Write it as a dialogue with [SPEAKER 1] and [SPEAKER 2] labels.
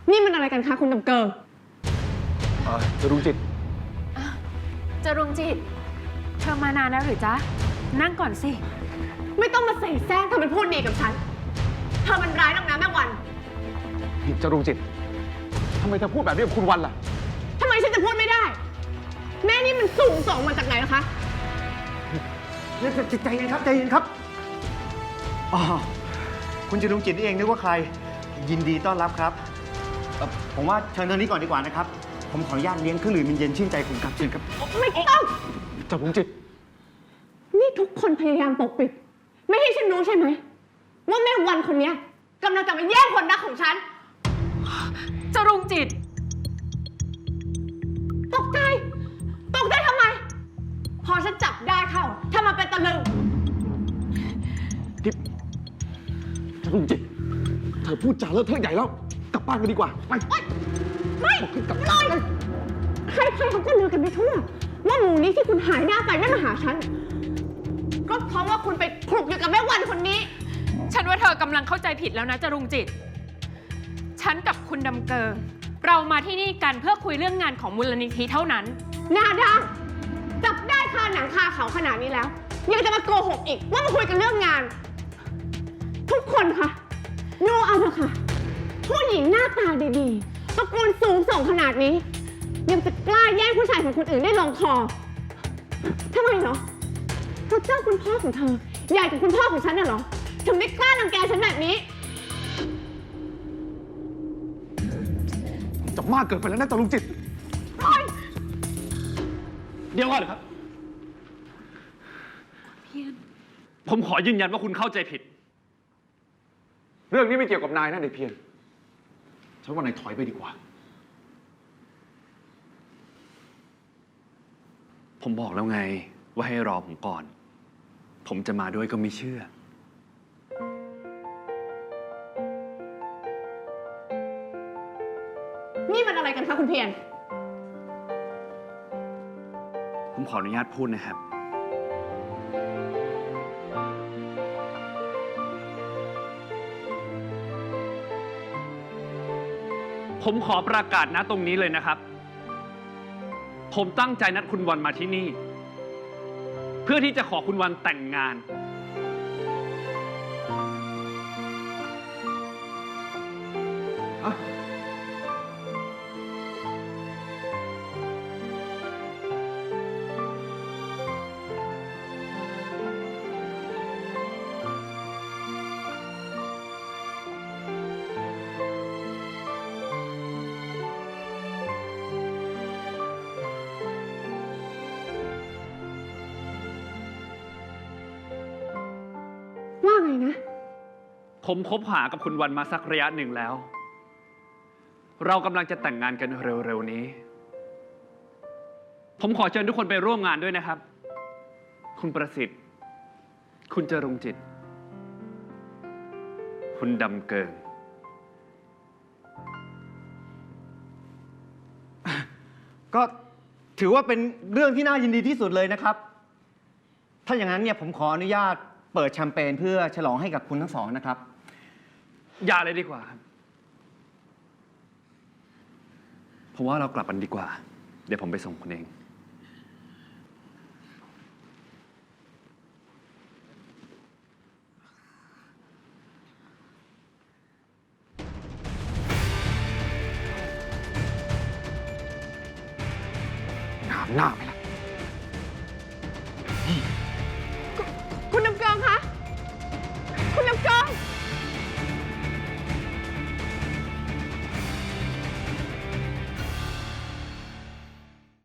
[SPEAKER 1] นี่มันอะไรกันคะคุณดำเกิง
[SPEAKER 2] จรุงจิต
[SPEAKER 3] จรุงจิตเธอมานานแล้วหรือจ๊ะนั่งก่อนสิ
[SPEAKER 1] ไม่ต้องมาเสแสร้งทำเป็นพูดดีกับฉันเธอมันร้ายนักนะแม่วัน
[SPEAKER 2] จรุงจิตทำไมเธอพูดแบบนี้กับคุณวันล่ะ
[SPEAKER 1] ทำไมฉันจะพูดไม่ได้แม่นี่มันสูงส่งมาจากไหนนะคะ
[SPEAKER 4] ใจเย็นครับใจเย็นครับอ๋อคุณจรุงจิตนี่เองนึกว่าใครยินดีต้อนรับครับผมว่าเชิญทางนี้ก่อนดีกว่านะครับผมขออนุญาตเลี้ยงเครื่องดื่มเย็นชื่นใจคุณครับเชิญครับ
[SPEAKER 1] ไม่ต้อง
[SPEAKER 2] จรุงจิต
[SPEAKER 1] นี่ทุกคนพยายามปกปิดไม่ให้ฉันรู้ใช่ไหมว่าแม่วันคนนี้กำลังจะมาแย่งคนรักของฉัน
[SPEAKER 3] จรุงจิต
[SPEAKER 1] ตกใจทำไมพอฉันจับได้เข้าทำมาเป็นตะลึง
[SPEAKER 2] จรุงจิตเธอพูดจาเลอะเทอะใหญ่แล้วกลับบ้านกันดีกว่าไป
[SPEAKER 1] ไม่เลยใครเขาก็ลือกันไปทั่วว่าหมูนี้ที่คุณหายหน้าไปไม่มาหาฉันก็เพราะว่าคุณไปคลุกอยู่กับแม่วันคนนี้
[SPEAKER 3] ฉันว่าเธอกำลังเข้าใจผิดแล้วนะจรุงจิตฉันกับคุณดำเกิงเรามาที่นี่กันเพื่อคุยเรื่องงานของมูลนิธิเท่านั้น
[SPEAKER 1] หน้าด้านจับได้คาหนังคาเขาขนาดนี้แล้วยังจะมาโกหกอีกว่ามาคุยกันเรื่องงานทุกคนคะดูเอาเถอะค่ะผู้หญิงหน้าตาดีๆตระกูลสูงส่งขนาดนี้ยังจะกล้าแย่งผู้ชายของคนอื่นได้ลงคอทำไมเหรอเพราะเจ้าคุณพ่อของเธอใหญ่กว่าคุณพ่อของฉันน่ะเหรอถึงได้กล้ารังแกฉันแบบนี้
[SPEAKER 2] จะมากเกินไปแล้วนะจรุงจิตเดี๋ยวก่อนครับผมขอยืนยันว่าคุณเข้าใจผิดเรื่องนี้ไม่เกี่ยวกับนายนะเด็กเพียรฉันว่านายถอยไปดีกว่าผมบอกแล้วไงว่าให้รอผมก่อนผมจะมาด้วยก็ไม่เชื่อ
[SPEAKER 1] นี่มันอะไรกันคะคุณเพียร
[SPEAKER 2] ผมขออนุญาตพูดนะครับผมขอประกาศณตรงนี้เลยนะครับผมตั้งใจนัดคุณวันมาที่นี่เพื่อที่จะขอคุณวันแต่งงาน
[SPEAKER 1] ว่าไงนะ
[SPEAKER 2] ผมคบหากับคุณวันมาสักระยะหนึ่งแล้วเรากำลังจะแต่งงานกันเร็วๆนี้ผมขอเชิญทุกคนไปร่วมงานด้วยนะครับคุณประสิทธิ์คุณจรุงจิตคุณดำเกิง
[SPEAKER 4] ก็ถือว่าเป็นเรื่องที่น่ายินดีที่สุดเลยนะครับถ้าอย่างนั้นเนี่ยผมขออนุญาตเปิดแชมเปญเพื่อฉลองให้กับคุณทั้งสองนะครับ
[SPEAKER 2] อย่าเลยดีกว่าผมว่าเรากลับกันดีกว่าเดี๋ยวผมไปส่งคุณเองหน้าไหมล่ะ